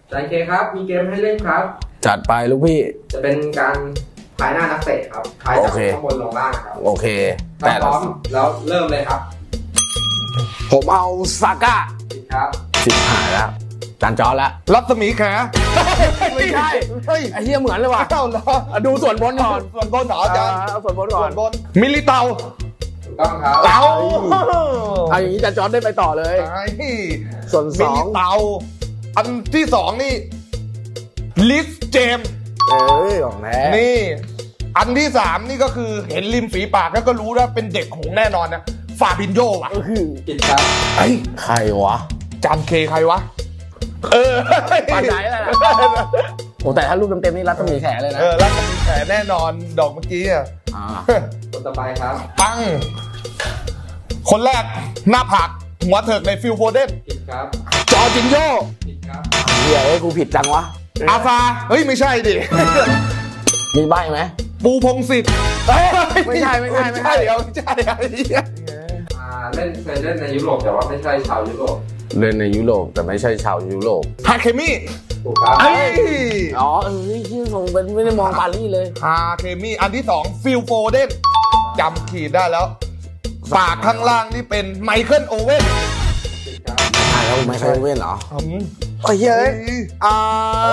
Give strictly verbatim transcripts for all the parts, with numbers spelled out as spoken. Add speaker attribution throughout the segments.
Speaker 1: ใจเคครับมีเกมให้เล่นครับ
Speaker 2: จัดไปลูกพี่
Speaker 1: จะเป็นการทายหน้านักเตะครับทายจากข้างบนลงล่างครับ
Speaker 2: โอเค
Speaker 1: แต่พร้อมแล้วเริ่มเลยครับ
Speaker 2: ผมเอาซาก้า
Speaker 1: ครับ
Speaker 2: สิบหายแล้วจานจอแล้ว
Speaker 3: รัศมีแข
Speaker 2: ไม่ใช่ไอ้เหี้ยเหมือนเลยว่ะดูส่วนบนก่อน
Speaker 3: ส่วนบนเหรออาจารย์
Speaker 2: เอาส่วนบนก่อน
Speaker 3: มิลิเตา
Speaker 1: ถูกต้องครับ
Speaker 3: เอา
Speaker 2: เอาอย่างนี้จานจอได้ไปต่อเลยส่วนสอง
Speaker 3: มิลิเตาอันที่สองนี่ลิสเจม
Speaker 2: เอ้ยของแท้
Speaker 3: นี่อันที่สามนี่ก็คือเห็นริมฝีปากแล้วก็รู้ว่าเป็นเด็กหงแน่นอนนะฟาบินโญ่ว่ะ
Speaker 1: ผิดครับ
Speaker 3: ไอ้
Speaker 2: ใครวะ
Speaker 3: จานเคใครวะเออ
Speaker 2: ปานไหนล่ะโอ้แต่ถ้ารูปเต็มๆนี่รัศมีแขเลยนะ
Speaker 3: เออรัศมีแขแน่นอนดอกเมื่อกี้อ่ะ
Speaker 1: คนต่อไปครับ
Speaker 3: ปังคนแรกหน้าผากหัวเถิกในฟิลโฟเดน
Speaker 1: ผิดครับ
Speaker 2: จอจินโญ่
Speaker 1: ผิดครับ
Speaker 2: เฮียเอ้ยกูผิดจังวะ
Speaker 3: อาฟาเฮ้ยไม่ใช่ดิ
Speaker 2: มีใบไหม
Speaker 3: ปูพงศิษฐ์
Speaker 2: ไม่ใช่ไม่ใช่ไม่ใช่
Speaker 3: เดี๋ยวไม่ใช่
Speaker 1: เล่นเคยเล่นในยุโรปแต่ว่าไม่ใช่ชาวยุโรป
Speaker 2: เล่นในยุโรปแต่ไม่ใช่ชาวยุโรป
Speaker 3: ฮาเคมิ
Speaker 1: ถูกครับ
Speaker 2: อ๋อเออที่ส่งเป็นไม่ได้มองปารีสเลย
Speaker 3: ฮาเคมิอันที่สองฟิลโฟเดนจำขีดได้แล้วปากข้างล่างนี่เป็นไมเคิลโอเว่น
Speaker 2: ใช่แล้วไมเคิลโอเว่นเหรอ
Speaker 3: โอ้ยเฮ้ยอ่า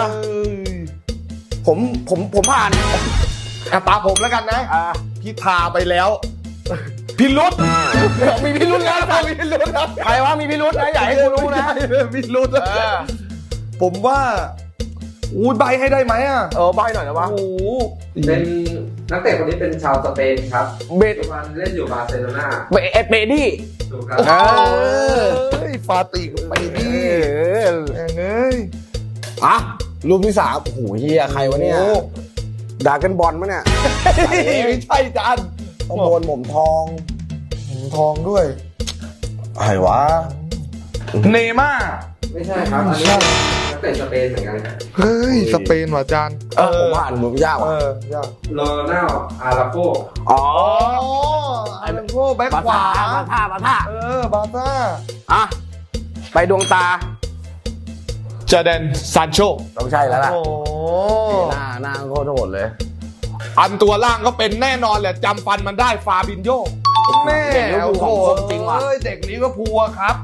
Speaker 2: ผมผมผมผ่าน
Speaker 3: ตาผมแล้วกันนะพิธาไปแล้วพิรุธ
Speaker 2: มีพิรุธแล้ว
Speaker 3: มีพิรุธแล้ว
Speaker 2: ใครว่ามีพิรุธนะอยากให้กูรู้นะ
Speaker 3: พิรุธผมว่าอู้ใบให้ได้ไหมอ่ะ
Speaker 2: เออใบหน่อยนะวะ
Speaker 3: โอ้
Speaker 1: เป็นนักเตะคนนี้เป็นชาวสเปนครับ
Speaker 2: เบ
Speaker 1: ปัจจุบันเล่นอยู่บาร์เซโลนา
Speaker 2: เบเบดี้
Speaker 1: ถูกครับ
Speaker 3: เฮ้ยฟาติกไปดิเอ้ย
Speaker 2: อ่ะรูปที่สามโอ้โหเฮียใครวะเนี่ยด่ากันบอลมั้ยเนี่ย
Speaker 3: ไม่ใช่จาน
Speaker 2: ต้องโดนหม่อมทอง
Speaker 3: หม่อมทองด้วย
Speaker 2: ใครวะ
Speaker 3: เนม่า
Speaker 1: ไม่ใช่ครับอันนี้นักเตะสเปนเหมือนกัน
Speaker 3: เฮ้ยสเปนว่ะจาน
Speaker 2: เออผมว่าอ่านมือยากว่ะ
Speaker 1: โรนัลอาราโก
Speaker 3: อ๋ออาราโกแบ็คขวา
Speaker 2: บาท่าบาท่า
Speaker 3: เออบาท่า
Speaker 2: อ่ะไปดวงตา
Speaker 3: จอร์แดนซานโช
Speaker 2: ต้องใช่แล้วล่ะ
Speaker 3: โอ้
Speaker 2: หน้าหน้าโคตรโหดเลย
Speaker 3: อันตัวล่างก็เป็นแน่นอนแหละจำฟันมันได้ฟาบินโญ่แม่
Speaker 2: โอ้โหจริงว่ะ
Speaker 3: เด็กนี้ก็พัวครับ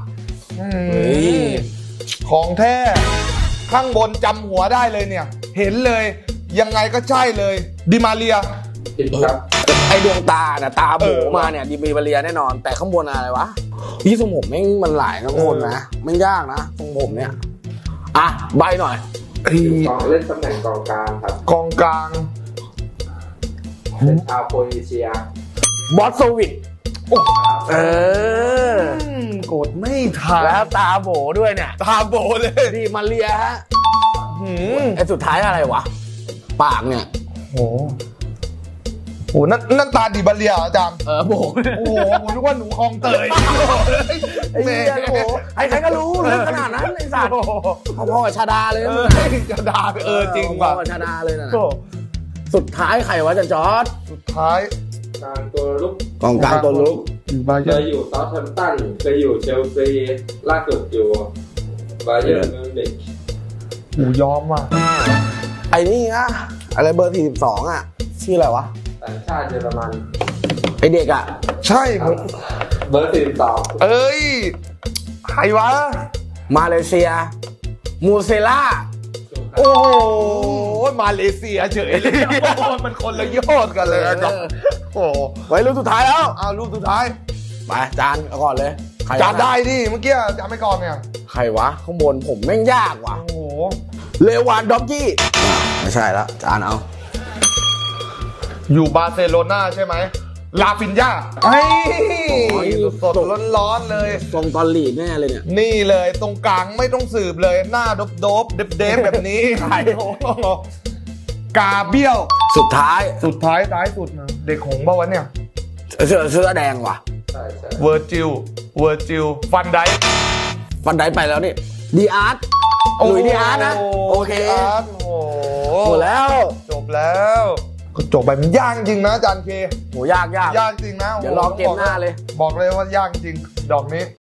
Speaker 3: ของแท้ข้างบนจำหัวได้เลยเนี่ยเห็นเลยยังไงก็ใช่เลยดิมาเรีย
Speaker 1: ครับ
Speaker 2: ไอดวงตาน่ะตาโบมาเนี่ยดิมาเรียแน่นอนแต่ข้างบนอะไรวะพี่ทรงผมแม่งมันหลายนะคนนะมันยากนะทรงผมเนี่ยอ่ะใบหน่อย
Speaker 1: กองเล่นตำแหน่งกองกลางครับ
Speaker 3: กองกลาง
Speaker 1: เป็นชาวโครเอเชีย
Speaker 2: บอสโซวิกเอ
Speaker 3: อกดไม่ทัน
Speaker 2: แล้วตาโบด้วยเนี่ย
Speaker 3: ตาโบเลย
Speaker 2: ดิมาเรียฮะไอสุดท้ายอะไรวะปากเนี่ย
Speaker 3: โอ้โหนั่นนั่นตาดิบาเรียอาจารย์
Speaker 2: เออโบ
Speaker 3: โอ้โหผมนึกว่าหนูคลองเตย
Speaker 2: แม่โอ้ใครๆก็รู้เรื่องขนาดนั้นไอสัตว์พ่อๆกับชาดาเลย
Speaker 3: ชาดาเออจริงว่ะ
Speaker 2: พ่อชาดาเลยนะสุดท้ายใครวะจันจอร์ด
Speaker 3: สุดท้าย
Speaker 1: กลางตัวลุก
Speaker 2: กองกลางตัวลุก
Speaker 1: เคยอยู่เซาท์แฮมป์ตันเคยอยู่เชลซีล่าสุดอยู่บาเยิร์นมิวนิก
Speaker 3: หูยอมว่ะ
Speaker 2: ไอ้นี่อะอะไรเบอร์สี่สิบสองอะชื่ออะไรวะ
Speaker 1: ต่างชาติเยอรมัน
Speaker 2: ไอเด็กอะ
Speaker 3: ใช่
Speaker 1: เบอร์สี่สิบสอง
Speaker 3: เอ้ยใครวะ
Speaker 2: มาเลเซียมูเซล่า
Speaker 3: โอ้โหมาเลเซียเฉยเลยมันคนละยอดกันเลยครับโอ้
Speaker 2: ไว้รูปสุดท้ายแล้ว
Speaker 3: เอารูปสุดท้าย
Speaker 2: ไปจานเอาก่อนเลย
Speaker 3: จานได้ดิเมื่อกี้จานไม่ก่อนเนี่ย
Speaker 2: ใครวะข้างบนผมแม่งยากว่ะ
Speaker 3: โอ้โห
Speaker 2: เลวานด็อกกี้ไม่ใช่แล้วจานเอา
Speaker 3: อยู่บาร์เซโลนาใช่ไหมลาฟินยาไอ้สดๆร้อนๆเลย
Speaker 2: ทรงตอนลีดแน่เลยเนี่ย
Speaker 3: นี่เลยตรงกลางไม่ต้องสืบเลยหน้าโดบๆเด็บๆแบบนี้กาเบี้ยว
Speaker 2: สุดท้าย
Speaker 3: สุดท้ายท้ายสุดนะเด็กหงส์ป่าวะเนี่ย
Speaker 2: เสื้อเสื้อแดงว่ะ
Speaker 3: เวอร์จิลเวอร์จิลฟันได
Speaker 2: ฟันไดไปแล้วนี่ดีอาร์ตหลุยดีอาร์ตนะโอเคหมดแล้ว
Speaker 3: จบแล้วก็จบไปมันยากจริงนะอาจารย์เค
Speaker 2: โหยากยาก
Speaker 3: ยากจริงนะ
Speaker 2: เดี๋ยวรอเกมหน้าเลย
Speaker 3: บอกเลยว่ายากจริงดอกนี้